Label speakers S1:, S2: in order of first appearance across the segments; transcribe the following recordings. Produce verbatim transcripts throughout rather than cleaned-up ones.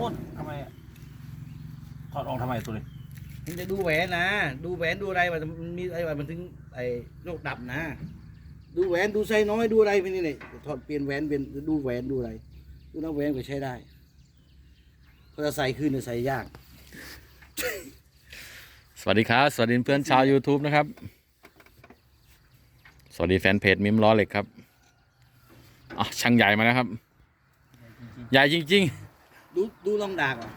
S1: นู่นทำไมถอดออกทำไมตัวนี้
S2: มันจะดูแหวนนะดูแหวนดูอะไรมันมีอะไรมันถึงไอ้โรคดับนะดูแหวนดูไซน้อยดูอะไรไปนี่เลยถอดเปลี่ยนแหวนเป็นดูแหวนดูอะไรดูน้ำแหวนก็ใช้ได้พอจะใส่คืนจะใส่ยาก
S3: สวัสดีครับสวัสดีเพื่อนชาว YouTube นะครับสวัสดีแฟนเพจมิมล้อเหล็กครับอ๋อช่างใหญ่มาแล้วครับใหญ่จริง
S2: ๆดูดูลองดากอ่ะ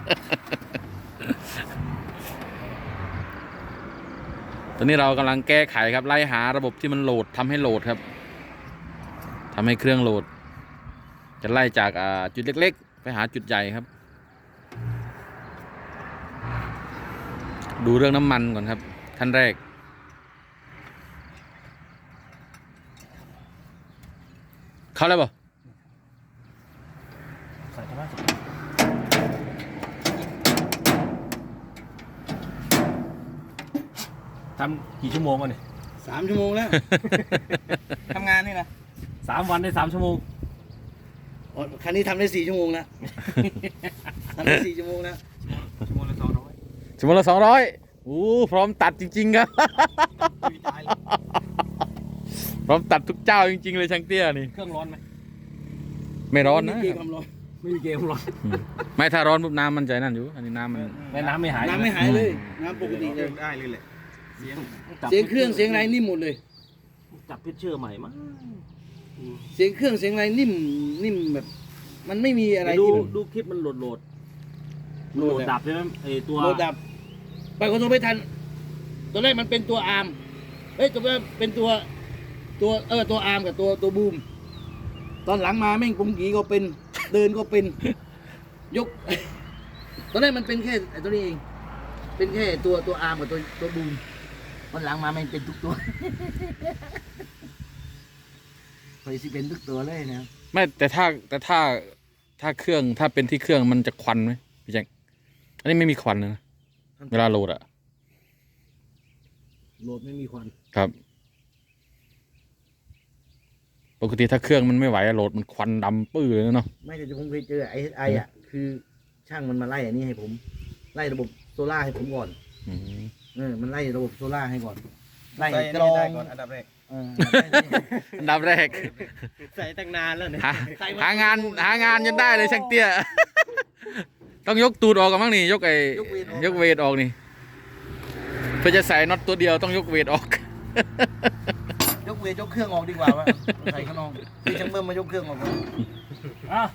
S3: ตอนนี้เรากำลังแก้ไขครับไล่หาระบบที่มันโหลดทำให้โหลดครับทำให้เครื่องโหลดจะไล่จากจุดเล็กๆไปหาจุดใหญ่ครับดูเรื่องน้ำมันก่อนครับขั้นแรกเข้าแล้วป่ะ
S1: ใส่เข้ามาทำกี่ชั่วโมงวะเนี่ย
S2: สามชั่วโมงแล้ว ทำงานนี่นะ
S1: สามวันได้สามชั่วโมง
S2: คันนี้ทำได้สี่ชั่วโมงแล้ว ทำได้สี่ชั่วโมงแล้ว
S1: ชั่วโมงละสองร้อย
S3: ชั่วโมงละสองร้อยโอ้พร้อมตัดจริงๆครับ พร้อมตัดทุกเจ้าจริงๆเลยช่างเตี้ยนี่
S1: เครื่องร้อนไหม
S3: ไม่ร้อนนะ
S1: ไม่มีเกมร้อน
S3: ไม่ถ้าร้อนปุ๊บน้ำมันใจนั่นอยู่อันนี้น้ำมัน
S1: ไม่น้ำไม่หาย
S2: น้ำไม่หายเลยน้ำปกติเลย
S1: ได้เลยแหละเสียง
S2: เสียงเครื่องเสียงอะไรนิ่มหมดเลย
S1: จับเพชรเชื่อใหม่มั้ง
S2: เสียงเครื่องเสียงอะไรนิ่มนิ่มแบบมันไม่มีอะไร
S1: ดูดูคลิปมันโหลดโหลดโหลดดับใช่ไหมไอตัว
S2: โหลดดับไปคนโทรไม่ทันตัวแรกมันเป็นตัวอาร์มเฮ้ยตัวแรกเป็นตัวตัวเออตัวอาร์มกับตัวตัวบูมตอนหลังมาแม่งปุงกีก็เป็นเดินก็เป็นยกตอนแรกมันเป็นแค่ไอ้ตัวนี้เองเป็นแค่ตัวตัวอาร์มกับตัวตัวบูมตอนหลังมาแม่งเป็นทุกตัวไปสิเป็นทุกตัวเลยนะ
S3: ไม่แต่ถ้าแต่ถ้าถ้าเครื่องถ้าเป็นที่เครื่องมันจะควันไหมพี่แจ็คอันนี้ไม่มีควันนะเวลาโหลดอะ
S2: โหลดไม่มีควัน
S3: ครับปกติถ้าเครื่องมันไม่ไหวโหลดมันควันดำปื้อเลยเนาะ
S2: ไม่แต่ผมเคยเจอไอไออ่ะคือช่างมันมาไล่อันนี้ให้ผมไล่ระบบโซล่าให้ผมก่อนเออมันไล่ระบบโซล่าให้ก่อนไล่กรอง
S1: อันดับแรก
S3: อันดับแรก
S1: ใส่ตั้งนานแล้วเนี่ย
S3: หางานหางานจนได้เลยช่างเตี้ยต้องยกตูดออกกันบ้างนี่ยกไอ้ยกเวทออกนี่เพื่อจะใส่น็อตตัวเดียวต้องยกเวทออก
S2: ยกเวทยกเครื่องออกดีกว่าว่าใส่ข้างนอกพี่ช่างเบิ้มมายกเครื่องออกก่อนอ่ะ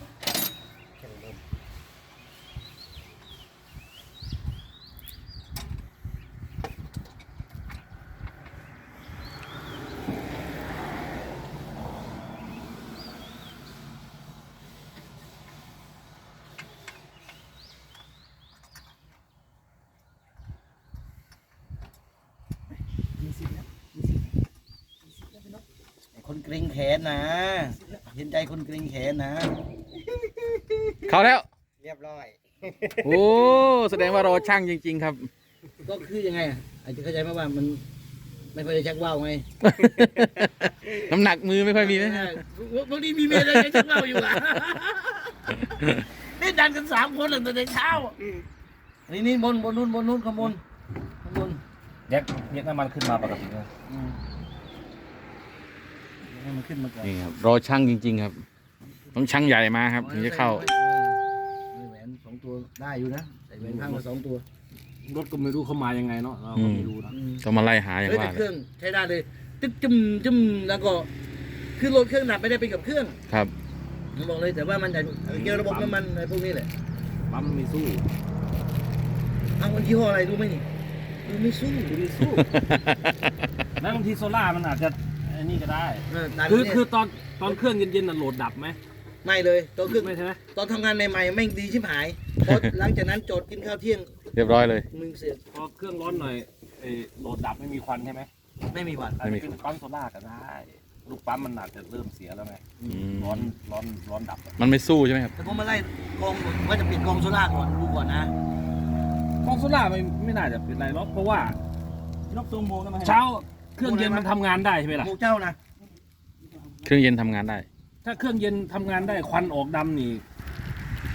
S2: คนเกรงแขนนะเห็นใจคนเกรงแขนนะ
S3: เข้าแล้ว
S2: เรียบร้อย
S3: โอ้แสดงว่ารอช่างจริงๆครับ
S2: ก็คือยังไงอาจจะเข้าใจไหมว่ามันไม่ค่อยได้ชักว่าวไง
S3: น้ำหนักมือไม่ค่อยมีไหม
S2: บางทีมีเมียได้ชักว่าวอยู่อ่ะนี่ดันกันสามคนเลยตั้งแต่เช้านี่นี่บนบนนู้นบนนู้นข้างบนข้างบน
S1: แยกแยกน้ำมันขึ้นมาปกติเลย
S2: ให้มันขึ้นมาก่อน
S3: นี่ครับรอช่างจริงๆครับต้องช่างใหญ่มาครับถึงจะเข้า
S2: แหวนสองตัวได้อยู่นะใส่แหวนข้างละสองตัว
S1: รถก็ไม่รู้เขามายังไงเนาะเราก็ไม่รู้นะ
S3: ต้องมาไล่หาอย่างว่า
S2: เครื่องใช้ได้เลยตึ๊บจุ่มจุ่มแล้วก็คือรถเครื่องหนักไม่ได้เป็นกับเครื่อง
S3: ครับ
S2: ผมบอกเลยแต่ว่ามันจะเกี่ยวระบบน้ำมันอะไรพวกนี้แหละ
S1: ปั๊มไม่สู้
S2: เอาวันยี่ห้ออะไรรู้ไหมนี่ดูไม่สู้
S1: ดูไม่สู้แล้วบางทีโซล่ามันอาจจะอันนี้ก็ได้คือคือตอนตอนเครื่องเย็นๆน่ะโหลดดับไหม
S2: ไม่เลยตอนเครื่อง
S1: ไม่ใช่ไหม
S2: ตอนทำงานใหม่ๆไม่ดีชิบหายพอหลังจากนั้นจอดกินข้าวเที่ยง
S3: เรียบร้อยเลย
S2: มึงเสีย
S1: พอเครื่องร้อนหน่อยโหลดดับไม่มีควันใช่ไหม
S2: ไม่มีควัน
S1: ไม่มีปั๊มโซล่าก็ได้ลูกปั๊มมันอาจจะเริ่มเสียแล้วไงร้อนร้อนร้อนดับ
S3: มันไม่สู้ใช่ไหมครับ
S2: แต่ผมมาไล่กองว่าจะปิดกองโซล่าก่อนดูก่อนนะ
S1: กองโซล่าไม่ไม่น่าจะเป็นไรหรอกเพราะว่า
S2: นกตัวโมนะ
S1: เช้าเครื่องเย็นมันทำงานได้ใช่ไหมล่ะ
S2: โมเจ้านะ
S3: เครื่องเย็นทำงานได้
S1: ถ้าเครื่องเย็นทำงานได้ควันออกดำนี่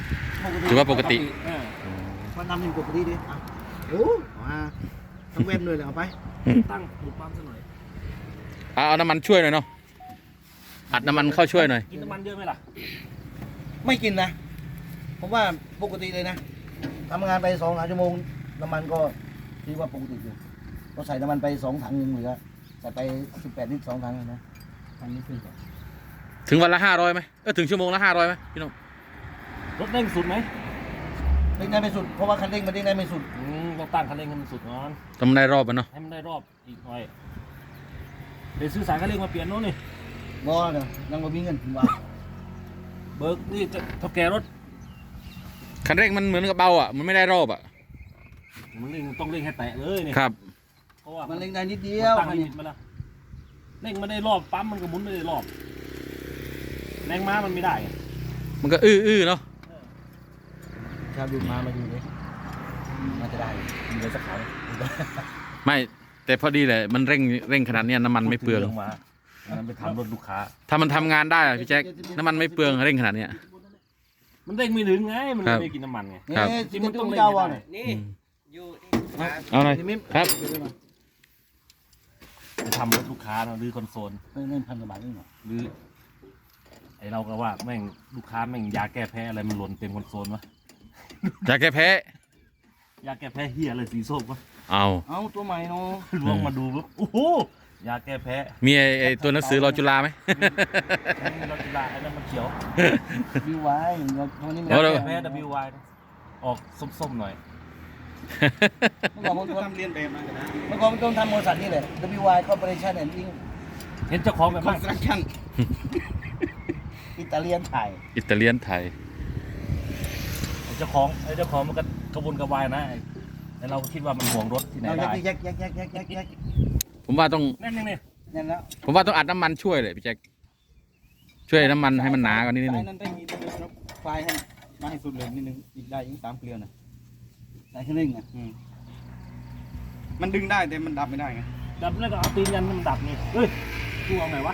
S3: ถือว่าปกติ
S1: เออ
S2: มันทำเป็นปกติดิอ่ะโอ้มาทั้งเว็บเลยเลยเอาไป
S1: ตั้งดูปั๊มซะหน่อย
S3: เอาเอาน้ำมันช่วยหน่อยเนาะอัดน้ำมันเข้าช่วยหน่อย
S1: กินน้ำมันเยอะไหมล่ะ
S2: ไม่กินนะผมว่าปกติเลยนะทำงานไปสองสามชั่วโมงน้ำมันก็ถือว่าปกติอยู่ก็ใส่น้ำมันไปสองถังยังเหลือใส่ไปสิบแปดลิตรสองถังเลยนะอันนี้คือ
S3: ถึงวันละห้าร้อยไหมเออถึงชั่วโมงละห้าร้อยไหมพี่น้อง
S1: รถเร่งสุดไหม
S2: เร่งได้ไม่สุดเพราะว่าคันเร่งมันเร่งได้ไม่สุด
S1: อืมต้องตั้งคันเร่งให้มันสุดก่อน
S3: ทำได้รอบมันเนาะ
S1: ให้มันได้รอบอีกหน่อยเดี๋ยวซื้อสายคันเร่งมาเปลี่ยนโน่นนี่
S2: งอเนาะยังไม่มีเงินถึงว่า
S1: เบิกนี่จะเท่าแก่รถ
S3: คันเร่งมันเหมือนกับเบาอ่ะมันไม่ได้รอบอ่ะ
S1: มันเร่งต้องเร่งให้แตะเลยเนี่ย
S3: ครับ
S1: เพราะว่า
S2: มันเร่งได้นิดเดี
S1: เดี
S2: ยว
S1: ตั้งลิมิตมาแล้วเร่งไม่ได้รอบปั๊มมันก็หมุนไม่ได้รอบแรงม้ามันไม่ได้ไง
S3: มันก็อื้ออื้อเนาะ
S2: ชาวดูมามาดูดิน่าจะได้มีอะไรสักขาว
S3: ไม่แต่พอดีเลยมันเร่งเร่งขนาดเนี้ยน้ำมันไม่เปลือง
S1: พูดถึรื่องม้าอันนั้นไปทำรถลูกค้า
S3: ถ้ามันทำงานได้อะพี่แจ็คน้ำมันไม่เปลืองเร่งขนาดเนี้ย
S1: มันเร่งไม่ถึงไงมัน
S3: ครับ
S1: ไม่กินน้ำมันไง
S2: นี่
S3: ครับ
S2: จริงมันต้องเจ้าวัน
S1: นี่
S4: อยู่
S3: เอาหน่อย
S2: มิม
S3: ครับ
S1: ไปทำรถลูกค้าเนอะหรือคอนโซล
S2: เงินพันกว่าบาทนี่หรอ
S1: หรือไอเราก็ว่าแม่งลูกค้าแม่งยาแก้แพ้อะไรมันหล่นเต็มคอนโซลวะ
S3: อยากแก้แพ้
S1: ยาแก้แพ้เฮียอะไรสีส้มวะ
S3: เอา
S2: เอาตัวใหม่เนาะ
S1: ลองมาดูปุ๊บโอ้โหยาแก้แพ้
S3: มีไอ้ไอ้ตัวหนังสือรอจุฬาไหม
S1: เราจะลาไอ้นั่นมันเขียว
S2: วิวไว้เราวันนี้มัน
S3: โอ้
S1: ยา
S3: เรา
S1: แก้แพ้ ดับเบิลยู วาย ออกส้มๆหน่อย
S2: เมื่อก่อนผม
S4: ทำเรียนแบบมากันนะ
S2: เมื่อก่อนผมต้องทำบริษัทนี่แหละ ดับเบิลยู วาย Corporation and Inc
S1: เห็นเจ้าของแบบ
S4: คอ
S1: นั้น น
S4: สตรักชั่น
S2: อิตาเลียนไทย
S3: อิตาเลียนไทย
S1: ไอ้เจ้าของไอ้เจ้าของมันก็กระวนกระวายนะไอ้ไอ้เราก็คิดว่ามันห่วงรถที่ไหน
S2: เอา
S1: ได้
S2: แยกแยกแยกแยกแยกแยก
S3: ผมว่าต้อง
S1: นั่นนี่นี่
S2: นั่นแล้ว
S3: ผมว่าต้องอัดน้ำมันช่วยเลยพี่แจ็คช่วยน้ำมันให้มันหนากว่านี้นิดนึง
S4: นั่นได้มีตัวครับไฟล์ให้มาให้สุดเลยนิดนึงอีกได้อีกสามเกลียวนะ
S2: ใส่เครื่องเร่งอ่ะ
S4: อืมมันดึงได้แต่มันดับไม่ได้ไง
S1: ดับแล้วก็เอาตีนยันมันดับนี่เฮ้ยดูเอาไงวะ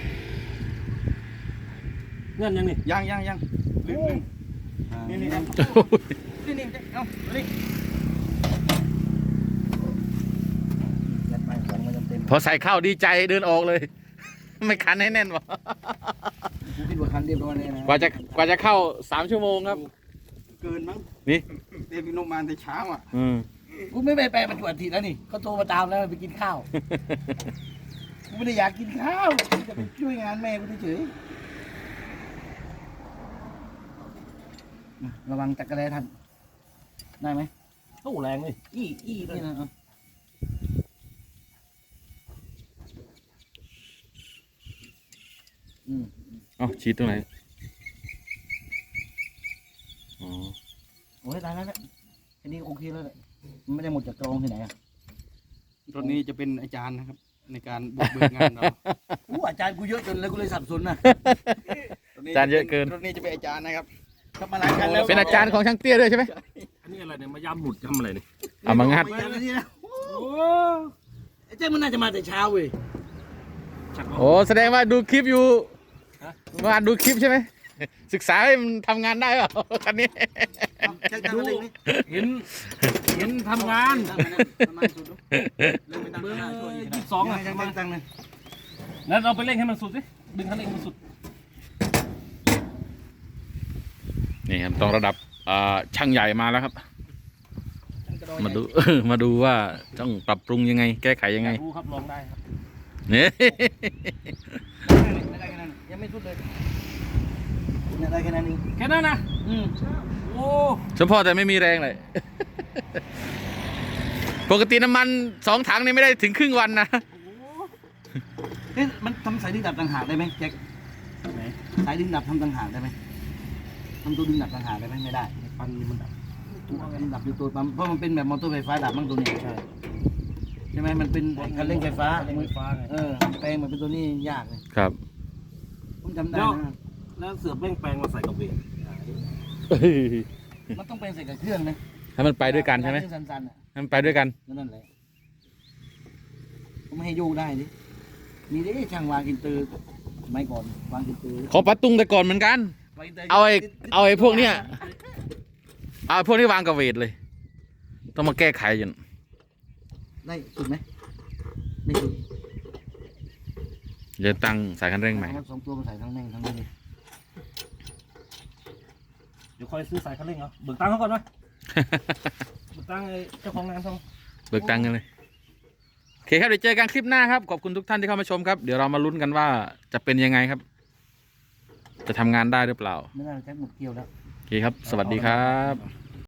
S1: เงื่อนยังนี่
S4: ยังยังยังลืมลืมนี่นี่นี่นี่นี่เอ้านี่
S2: ยัดไปของมันเต็ม
S3: พอใส่เข้าดีใจเดินออกเลย ไม่คันให้แน่นวะ
S2: ๆกูคิดว่าคันเรียบร้อยเลยนะ
S3: กว่าจะกว่าจะเข้าสามชั่วโมงครับ
S4: เกินมั้ง
S3: นี่
S4: เดวินโนมาแต่เช้าอ่ะ
S3: อืม
S2: กูไม่ไปแปลปัจจุบันทีแล้วนี่เขาโทรมาตามแล้วไปกินข้าว กูไม่ได้อยากกินข้าวกูจะไปช่วยงานแม่กูเฉยๆระวังจักรแลท่านได้ไหม
S1: โอ้แรงเลยอี้อี้เลย
S2: นี่นะเอาอืม
S3: เอ้าฉีดตรงไหนอ๋อ
S2: โอ้ยตายแล้วเนี่ยอันนี้โอเคแล้วแหละมันไม่ได้หมดจากกรองที่ไหนอ่ะ
S4: รถนี้จะเป็นอาจารย์นะครับ ในการบุกเบิกงานเรา
S2: อู้อาจารย์กูเยอะจนเลยกูเลยสับสนนะ
S3: อาจารย์เยอะเกิน
S4: รถนี้จะเป็นอาจารย์นะครับทำมาหลายคันแล้ว
S3: เป็นอาจารย์ของช่างเตี้ยด้วยใช่ไหม
S1: อันนี้อะไรเนี่ยมายำหมุดยำอะไรเนี่ย
S3: เอามางัด
S2: อาจารย์นี่นะ
S1: โอ้
S2: ไอ้เจ้ามันน่าจะมาแต่เช้าเว้ย
S1: ชัก
S3: โอ้แสดงว่าดูคลิปอยู่ว่าดูคลิปใช่ไหมศึกษาให้มันทำงานได้เปล่าคันนี้
S2: เอาแจ็คตั้ง
S1: ดู
S2: เร่งนี่
S1: เห็นเห็นทำงาน
S4: ตั้งมานะประมาณสุดดูเริ่มไปตั้ง
S1: เบอร์
S4: ข้างหน้าช่วยอีก
S1: ยี่
S4: นะ
S1: สิบสองอ่ะ
S2: แจ็คตั้งตั้งเลย
S1: แล้วเราไปเร่งให้มันสุดสิดึงคันเร่งให้มันสุด
S3: นี่ครับต้องระดับอ่าช่างใหญ่มาแล้วครับ มาดู มาดูว่าต้องปรับปรุงยังไง แก้ไขยังไง
S1: รู้ครับลองได้ครับ
S3: เนี่ย
S2: ไม่ได้แค่นั้นยังไม่สุดเลยเนี่ยได้แค่นั้นเอง
S1: แค่นั้นนะ
S2: อืม
S1: โอ้
S3: เฉพาะแต่ไม่มีแรงเลย ปกติน้ำมันสองถังนี่ไม่ได้ถึงครึ่งวันนะ
S2: เอ๊ะมันทำสายดึงดับต่างหากได้ไหมแจ็ค
S1: ไหน
S2: สายดึงดับทำต่างหากได้ไหมทำตัวดึงดับต่างหากได้ไหมไม่ได้
S1: ปันนี่มันดับ
S2: ตัวมันดับอยู่ตัวปั๊มเพราะมันเป็นแบบมอเตอร์ไฟฟ้าดับบ้างตัวนี้ใช่ใช่ไหมมันเป็นคันเร่งไฟฟ้า
S1: เร่งไฟฟ้าไง
S2: เออแปลงมันเป็นตัวนี้ยากเลย
S3: ครับ
S2: ผมจำได้
S1: แล้ว
S2: นะ
S1: แล้วเสือกเร่งแปลงมาใส่กับเบรก
S2: มันต้องเป็นใส่กับเครื่องนะ
S3: ให้มันไปด้วยกันใช่ไหม
S2: เครื่องสั่นๆอ่ะ
S3: ให้มันไปด้วยกัน
S2: นั่นแหละผมไม่ให้โยกได้ดิมีดิช่างวางอินเตอร์สมัยก่อนวางอินเตอร์
S3: ขอปัดตุงแต่ก่อนเหมือนกัน
S2: วางอินตร์
S3: เอาไอ้เอาไอ้พวกเนี้ยเอาพวกนี้วางกับเวทเลย ต้องมาแก้ไขจน
S2: ได้สุดไหมไม่สุด
S3: เดี๋ยวตั้งสายคันเร่งใหม่
S2: เอาสองตัวมาใส่ทั้งแม่งทั้งนี้เลย
S1: เดี๋ยวคอยซื้อสายคันเร่งเหรอเบิกตังค์เขาก่อนไหม เบิกตังค์ไอ้เจ้าของงานเขา
S3: เบิกตังค์กันเลยโอเคครับเดี๋ยวเจอกันคลิปหน้าครับขอบคุณทุกท่านที่เข้ามาชมครับเดี๋ยวเรามาลุ้นกันว่าจะเป็นยังไงครับ จะทำงานได้หรือเปล่า
S2: ไม่น่าจะใช้หมดเกลียวแล้ว
S3: โอเคครับ สวัสดีครับ